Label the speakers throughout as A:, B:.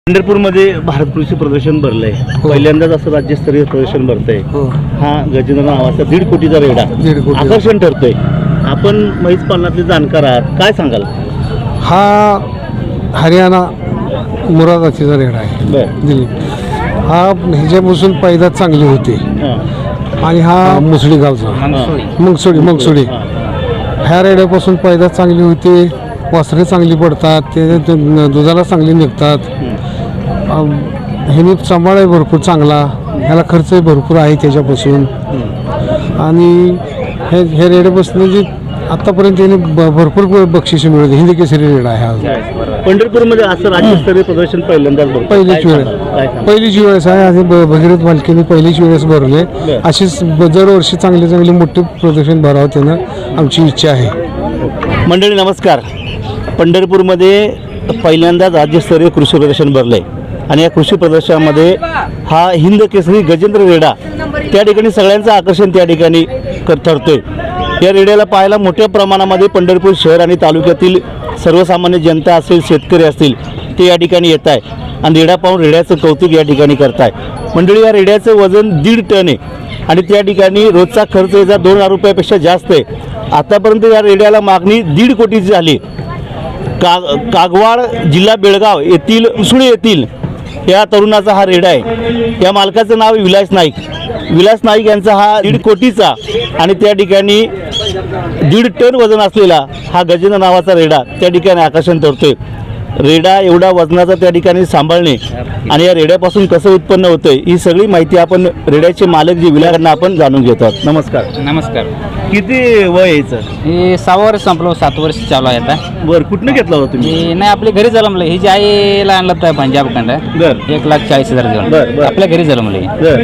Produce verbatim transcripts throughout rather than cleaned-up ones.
A: पंढरपूरमध्ये भारत कृषी प्रदर्शन भरलंय. पहिल्यांदाच असं राज्यस्तरीय प्रदर्शन भरतंय. हा गजेंद्र नावाचा दीड कोटीचा रेडा
B: दीड कोटी
A: आकर्षण ठरतोय. आपण म्हैस पालनातले जाणकार आहात, काय सांगाल?
B: हा हरियाणा मुरादाचीचा रेडा आहे.
A: बर
B: दिल्ली हा ह्याच्यापासून पैदास चांगली होती आणि हा मुसळी गावचा मंगसोडी मंगसोडी ह्या रेड्यापासून पैदास चांगली होती. वासरे चांगली पडतात, ते दुधाला चांगली निघतात. ह्याने सांभाळ आहे भरपूर चांगला, ह्याला खर्चही भरपूर आहे त्याच्यापासून. आणि हे हे रेड्यापासून जी आतापर्यंत त्याने भरपूर बक्षिसे मिळवली. हिंदी केसरी रेडा आहे हा.
A: पंढरपूरमध्ये असं राज्यस्तरीय प्रदर्शन पहिल्यांदाच भरतं.
B: पहिलीच वेळेस पहिलीच वेळेस आहे. आणि भगीरथ मालकीने पहिलीच वेळेस भरले. अशीच दरवर्षी चांगले चांगले मोठे प्रदर्शन भरावं त्यानं आमची इच्छा आहे.
A: मंडळी नमस्कार. पंढरपूरमध्ये पहिल्यांदाच राज्यस्तरीय कृषी प्रदर्शन भरलंय आणि या कृषी प्रदर्शनामध्ये हा हिंद केसरी गजेंद्र रेडा त्या ठिकाणी सगळ्यांचं आकर्षण त्या ठिकाणी ठरतोय. या रेड्याला पाहायला मोठ्या प्रमाणामध्ये पंढरपूर शहर आणि तालुक्यातील सर्वसामान्य जनता असेल, शेतकरी असतील, ते या ठिकाणी येत आहे आणि रेडा पाहून रेड्याचं कौतुक या ठिकाणी करताय. मंडळी या रेड्याचं वजन दीड टन आहे आणि त्या ठिकाणी रोजचा खर्च याचा दोन हजार रुपयापेक्षा जास्त आहे. आतापर्यंत या रेड्याला मागणी दीड कोटीची झाली. का कागवाड जिल्हा बेळगाव येथील उसुळे येथील या तरुणाचा हा रेडा आहे. या मालकाचं नाव विलास नाईक. विलास नाईक यांचा हा दीड कोटीचा आणि त्या ठिकाणी दीड टन वजन असलेला हा गजेंद्र नावाचा रेडा त्या ठिकाणी आकर्षण ठरतोय. रेडा एवढा वजनाचा त्या ठिकाणी सांभाळणे आणि या रेड्यापासून कसं उत्पन्न होतंय ही सगळी माहिती आपण रेड्याचे मालक जे विलाकडनं आपण जाणून घेतो आहोत. नमस्कार.
C: नमस्कार.
A: किती वय यायचं?
C: हे सहा वर्ष संपलं, सात वर्ष चालू आहे आता.
A: बरं, कुठनं घेतला होता तुम्ही?
C: हे नाही आपल्या घरी जलमलं. ही जी आईला आणलं तर पंजाबकडं.
A: बरं
C: एक लाख चाळीस हजार
A: बरं,
C: देऊन
A: बरं.
C: आपल्या घरी जलमले.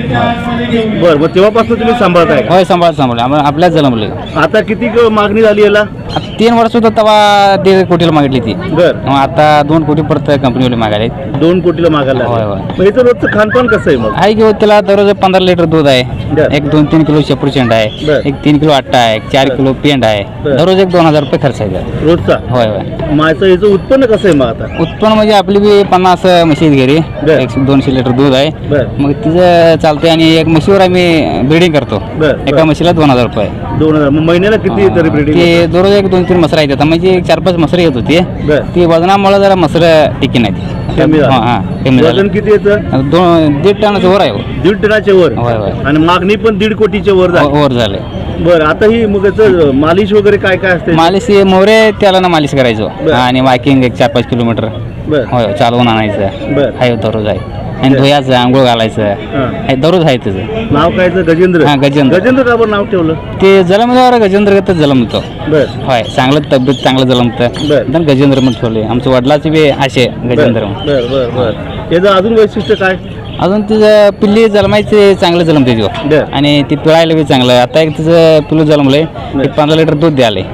A: बरं बरं मग तेव्हापासून तुम्ही सांभाळताय?
C: होय, सांभाळ सांभाळ आम्हाला आपल्याच जलमले.
A: आता किती क- मागणी झाली याला?
C: आता तीन वर्ष होतं तेव्हा दीड कोटीला मागितली ती.
A: बरं,
C: मग आता दोन कोटी परत कंपनीवाले मागायले.
A: दोन कोटीला मागायला
C: होय,
A: लागला.
C: होय.
A: मग याचं रोजचं खानपान कसं आहे मग?
C: आहे की त्याला दररोज पंधरा लिटर दूध आहे.
A: बरं.
C: एक दोन तीन किलो शेपूर शेंड आहे.
A: बरं.
C: एक तीन किलो आट्टा आहे. एक चार किलो पेंड आहे.
A: बरं.
C: दररोज एक दोन हजार रुपये खर्च आहे त्यात.
A: रोजचा?
C: होय होय.
A: माझं याचं उत्पन्न कसं आहे मग आता?
C: उत्पन्न म्हणजे आपली बी पन्नास म्हशी आहेत घरी.
A: बरं.
C: एक दोनशे लिटर दूध आहे.
A: बरं
C: मग तिचं चालतंय आणि एक म्हशीवर आम्ही ब्रीडिंग करतो.
A: बरं,
C: एका
A: बरं.
C: म्हशीला दोन हजार रुपये.
A: दोन हजार. मग महिन्याला किती तरी ब्रीडिंग?
C: ते दररोज एक दोन तीन मसरा येतात. म्हणजे एक चार पाच मसरे येत होते.
A: बरं.
C: ती वजनामुळे जरा मसरं टिकी नाही ती.
A: कमी झालं.
C: हां हां कमी
A: वजन
C: झालं.
A: किती येतं?
C: दोन दीड टनाचं वर आहे हो.
A: दीड टनाच्या वर.
C: होय होय.
A: आणि मागणी पण दीड कोटीच्या वर झाली.
C: वर झाले.
A: बरं, आता ही मग याचं मालिश वगैरे काय काय असते?
C: मालिश हे मोरे त्याला ना मालिश करायचो.
A: बरं.
C: आणि वॉकिंग एक चार पाच किलोमीटर
A: बरं
C: होय चालवून आणायचं.
A: बरं.
C: आहे दररोज आहे. आणि
A: बरं.
C: धुयाचं आंघोळ घालायचं
A: हां.
C: आहे दररोज आहे त्याचं.
A: नाव काय याचं? गजेंद्र.
C: हां, गजेंद्र.
A: गजेंद्र का बरं नाव ठेवलं?
C: ते जलमल्यावर गजेंद्रगतच जलमतो.
A: बरं
C: होय चांगलं तब्येत चांगलं जलमतं.
A: बरं.
C: पण गजेंद्र म्हणून ठेवले. आमच्या वडिलाचे बी असे गजेंद्र म्हणून.
A: बरं बरं बरं. याचं अजून वैशिष्ट्य काय?
C: अजून तिचं पिल्ली जलमायचे चांगलं जलमते तिथं.
A: बरं.
C: आणि ती पिळायला बी चांगलं. आता एक तिचं पिल्लू जलमलंय.
A: बरं.
C: एक पंधरा लिटर दूध द्याले.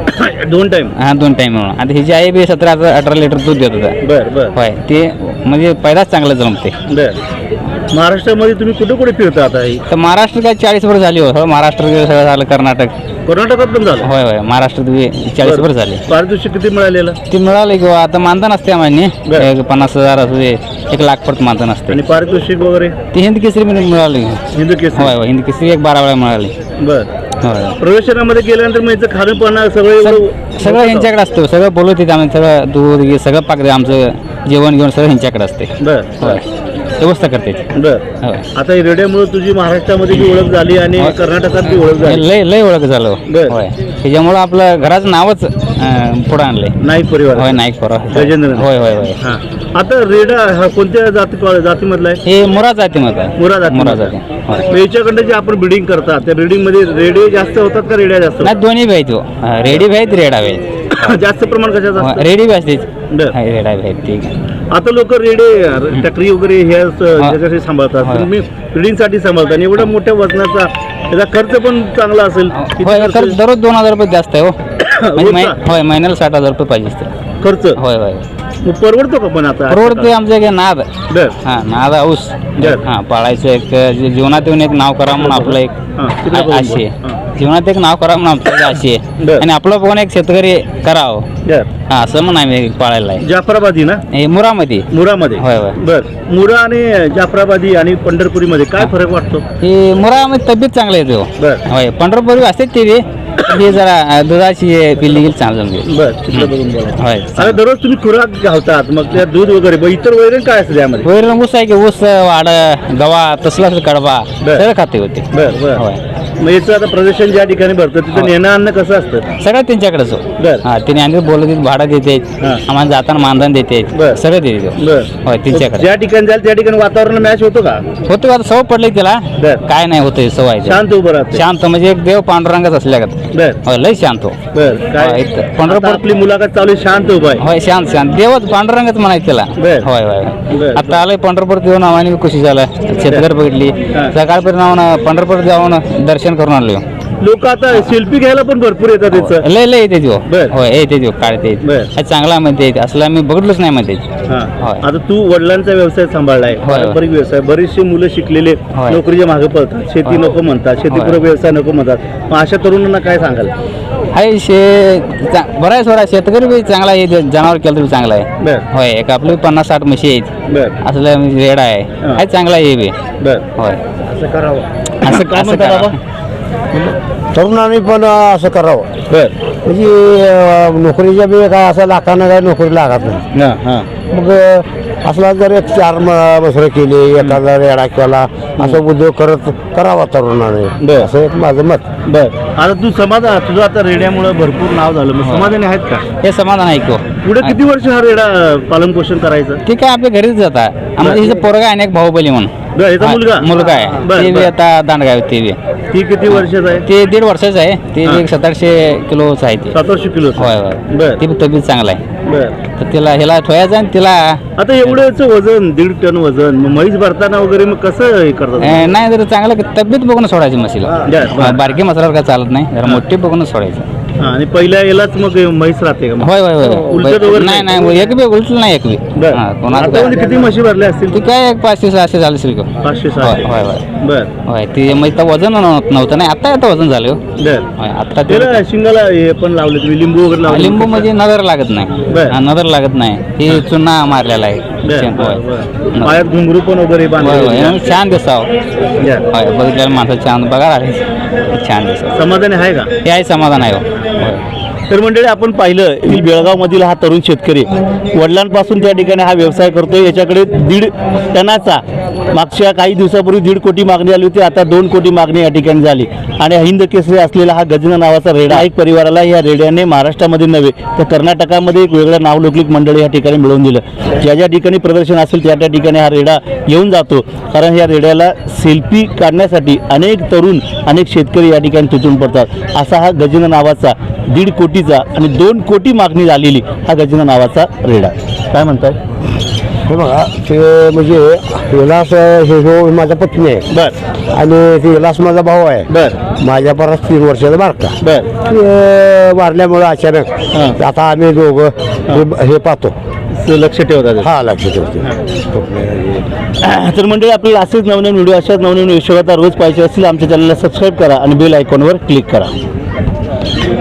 A: दोन टाइम?
C: हा दोन टाइम म्हणून. आता हिची आई बी सतरा अठरा लिटर दूध देत होता.
A: बरं बरं
C: होय ते म्हणजे पहिलाच चांगलं जलमते.
A: बरं. महाराष्ट्रामध्ये तुम्ही कुठे कुठे फिरता आता? ही
C: तर महाराष्ट्र काय चाळीस वर्ष झाली हो. महाराष्ट्र सगळं झालं. कर्नाटक.
A: कर्नाटकात पण झालं?
C: होय होय महाराष्ट्रात बी चाळीस वर्ष झाले.
A: पारितोषिक किती मिळालेलं?
C: ती मिळाली किंवा आता मानधन असते आम्हाला.
A: बरं.
C: एक पन्नास हजार असू दे, एक लाख परत मानधन असते.
A: आणि पारितोषिक वगैरे?
C: ती हिंद केसरी म्हणून मिळाली.
A: हिंदू केस?
C: होय होय हिंद केसरी एक बारा वेळा मिळाली.
A: बरं.
C: होय
A: प्रवेशनामध्ये गेल्यानंतर मग याचं खाणं पाणं सगळं एवढं-
C: सगळं ह्यांच्याकडे असतं. सगळं बोलवते आम्ही. सगळं दूध घे सगळं पाकते. आमचं जेवण घेऊन सगळं ह्यांच्याकडे असते.
A: बरं
C: होय व्यवस्था करते ती.
A: बरं.
C: होय
A: आता ही रेड्यामुळे तुझी महाराष्ट्रामध्ये बी ओळख झाली आणि कर्नाटकात बी ओळख झाली.
C: लय लय ओळख झालं.
A: बरं.
C: होय त्याच्यामुळं आपलं घराचं नावच अं, पुढं आणलंय.
A: नाईक परिवार?
C: होय नाईक परवा.
A: गजेंद्र?
C: होय होय होय.
A: हां. आता रेडा हा कोणत्या जाती जातीमधला आहे?
C: हे मुरा जाती मत आहे.
A: मुरा जाती?
C: मुरा जाती. होय.
A: मग याच्याकडे जे आपण ब्रिडिंग करता त्या ब्रिडिंग मध्ये रेडे जास्त होतात का रेड्या जास्त
C: नाही दोन्ही बी आहेत हो. रेडी बी आहेत रेडा बी आहेत.
A: होतात? जास्त प्रमाण कशाचं असतं?
C: रेडी बी असते.
A: बरं.
C: रेडा बी आहेत. ठीक आहे.
A: आता लोक रेडे टकरी वगैरे हे असं ज्याच्यासाठी सांभाळतात.
C: होय.
A: तुम्ही ब्रिडिंगसाठी सांभाळता आणि एवढ्या मोठ्या वजनाचा त्याचा खर्च पण चांगला असेल. किती
C: होय
A: खर्च?
C: खर्च दररोज दोन हजार रुपये जास्त आहे हो. म्हणजे मै-
A: रोजचा?
C: होय महिन्याला साठ हजार रुपये पाहिजे असते.
A: खर्च
C: होय होय
A: मग परवडतो का पण आता?
C: परवडते. आमच्या इकडे नाद
A: बर
C: हा नाद ऊस
A: बरं.
C: हा पाळायचं. एक जे- जीवनात येऊन एक नाव करा म्हणून आपलं एक
A: हां, तिकडे बघून
C: अशी
A: बघ. हां.
C: जीवनात एक नाव करावं म्हणून आमचं अशी
A: बर.
C: आहे आणि आपलं पण एक शेतकरी करावं
A: बर
C: हा असं म्हणून आम्ही पाळायला आहे
A: जाफराबादी ना
C: हे मुरामध्ये
A: मुरामध्ये
C: होय, होय.
A: बर मुरा आणि जाफराबादी आणि पंढरपुरीमध्ये काय फरक वाटतो
C: हे मुरामध्ये तब्येत चांगली येते हो.
A: बर
C: होय पंढरपूर असते ते बी हे जरा अं, दुधाची पिल्ली गेली चांगलं जमली
A: बर तिकडे बघून बोला
C: होय
A: आता दररोज तुम्ही खुराक घालतात मग त्या दूध वगैरे मग इतर वैरण काय असतं त्यामध्ये
C: वैरण ऊस आहे की ऊस वाड गवा तसला कडबा
A: बर.
C: सगळं खाते होते
A: बर बर
C: होय
A: मग याचं आता प्रदर्शन ज्या ठिकाणी भरतं तिथं नेणं आणणं कसं असतं
C: सगळं त्यांच्याकडेच हो.
A: बर.
C: हा तिने आणि बोलत भाडं देते
A: हा.
C: आम्हाला जाताना मानधन देते
A: बर.
C: सगळं देते तो.
A: बर
C: होय त्यांच्याकडे
A: ज्या ठिकाणी जाईल त्या ठिकाणी वातावरण मॅच होतो का
C: होतो आता सवय पडली त्याला
A: बर.
C: काय नाही होतं सवय
A: शांत उभं राहते
C: शांत म्हणजे एक देव पांडुरंगच असल्यागत
A: बर
C: होय लय शांत हो.
A: बर काय
C: होय, इथं
A: आता
C: पंढरपूर
A: आपली मुलाखत चालू आहे, शांत उभा आहे
C: होय शांत शांत देवच पांडुरंगच म्हणायचं त्याला
A: बर.
C: होय होय
A: बर.
C: आता आलंय पंढरपूर देऊन आम्हाला खुशी झालं शेतकरी बघितली
A: हा.
C: सकाळपर्यंत जाऊन पंढरपूर जाऊन दर्शन करून आलो
A: लोक आता सेल्फी घ्यायला पण भरपूर येतात त्याचं
C: लय लय येते तो
A: बर.
C: होय येते तो काढते
A: बर.
C: हा चांगला म्हणते असला मी बघितलंच नाही म्हणते
A: हा.
C: होय.
A: आता तू वडिलांचा व्यवसाय सांभाळलाय
C: होय.
A: पारंपरिक व्यवसाय बरीचशी मुलं शिकलेले
C: होय.
A: नोकरीच्या मागे पळतात शेती
C: होय.
A: नको म्हणतात शेतीपूरक
C: होय.
A: व्यवसाय नको म्हणतात मग अशा तरुणांना काय सांगाल
C: हाय शे चा- बरं आहे सोडा शेतकरी बी चांगला आहे ते जनावर केलं तरी चांगला आहे
A: बर
C: होय एक आपली पन्नास साठ म्हशी आहेत
A: बर
C: असलं रेड आहे
A: हा.
C: हाय चांगला आहे हे बी
A: बर
C: होय
A: असं करावं
C: असं
A: काय
C: असं
A: म्हणता
C: करा.
A: बाबा?
B: तरुणांनी पण असं करावं
A: बर
B: म्हणजे नोकरीच्या बी काय असं लाखानं काय नोकरी लागत नाही
A: हा हा
B: मग असला जर एक चार मसरं केली एखादा रेडा केला असं उद्योग करत करावा तरुणाने
A: बर.
B: असं एक माझं मत
A: बर आता तू समाधान तुझं आता रेड्यामुळे भरपूर नाव झालं मग समाधानी आहेत का
C: हे समाधान आहे की हो.
A: पुढे किती वर्ष हा रेडा पालन पोषण करायचं
C: ते काय आपल्या घरीच जातात आम्हाला हिचं पोरगा आहे ना एक बाहुबली म्हणून
A: बर याचा
C: हा,
A: मुलगा
C: मुलगा आहे
A: बर,
C: ते बी
A: बर.
C: आता दांडगाव ते बी
A: ती किती वर्षाचा आहे
C: ते दीड वर्षाचं आहे ते
A: हा.
C: बी एक सतराशे किलोच आहे ते
A: सतराशे किलो
C: होय होय
A: बर
C: ते बी तब्येत चांगला आहे
A: बर
C: तर तिला ह्याला ठोयाचं आणि तिला
A: आता एवढंच वजन दीड टन वजन मग म्हैस भरताना वगैरे मग कसं हे करतात
C: अं, नाही जर चांगलं तब्येत बघून सोडायची म्हशीला
A: बर, बर.
C: बारकी मसाल्यावर काय चालत नाही जरा मोठी बघून सोडायचं
A: हा, आणि पहिल्या यालाच मग म्हैस राहते का मग?
C: होय होय
A: उलटत वगैरे
C: होय नाही नाही एक बी उलटलं नाही एक बी
A: बर
C: हा, कोणाचं
A: आता म्हणजे
C: काय-
A: किती म्हशी भरल्या असतील
C: ती काय एक पाचशे सहाशे झाले असेल की.
A: पाचशे
C: होय
A: सहाशे
C: होय होय
A: बर
C: होय ते मग इथं वजन नव्हतं नव्हतं नाही आता आता वजन झालं हो.
A: बर
C: होय आता ते
A: त्याला शिंगाला हे पण लावले तुम्ही लिंबू वगैरे लावले
C: लिंबू मध्ये नजर लागत नाही
A: बर.
C: हा, नजर लागत नाही हे चुना मारलेला आहे
A: बर,
C: शेण,
A: बर,
C: होय.
A: बर. पायात घुंगरू पण वगैरे
C: होय होय
A: बांधले
C: आणि छान दिसावं
A: बर.
C: होय बघितलेलं माणसं छान बघा आले छान दिसावं
A: समाधानी आहे का
C: हे आहे समाधान आहे हो. होय
A: तर मंडळी आपण पाहिलं की बेळगावमधील हा तरुण शेतकरी वडिलांपासून त्या ठिकाणी हा व्यवसाय करतो याच्याकडे दीड टनाचा मागच्या काही दिवसापूर्वी दीड कोटी मागणी आली होती आता दोन कोटी मागणी या ठिकाणी झाली आणि हिंद केसरी असलेला हा गजना नावाचा रेडा एक परिवाराला या रेड्याने महाराष्ट्रामध्ये नव्हे तर कर्नाटकामध्ये एक वेगळं नावलौकिक मंडळ या ठिकाणी मिळवून दिलं ज्या ज्या ठिकाणी प्रदर्शन असेल त्या त्या ठिकाणी हा रेडा येऊन जातो कारण या रेड्याला सेल्फी काढण्यासाठी अनेक तरुण अनेक शेतकरी या ठिकाणी तुटून पडतात असा हा गजना नावाचा दीड कोटीचा आणि दोन कोटी मागणी झालेली हा गजना नावाचा रेडा काय म्हणताय
B: हे बघा ते म्हणजे विलास हे जो माझ्या पत्नी आहे
A: बर
B: आणि ते विलास माझा भाऊ आहे
A: बर
B: माझ्या परत तीन वर्षाचा बारका
A: बर
B: ते वारल्यामुळं अचानक
A: हां.
B: आता आम्ही दोघं हे- हे पाहतो
A: लक्ष ठेवतात
B: हा लक्ष ठेवतो
A: तर मंडळी आपल्याला असेच नवनवीन व्हिडिओ अशाच नवनवीन विषयावर रोज पाहिजे असतील आमच्या चॅनलला सबस्क्राईब करा आणि बेल आयकॉनवर क्लिक करा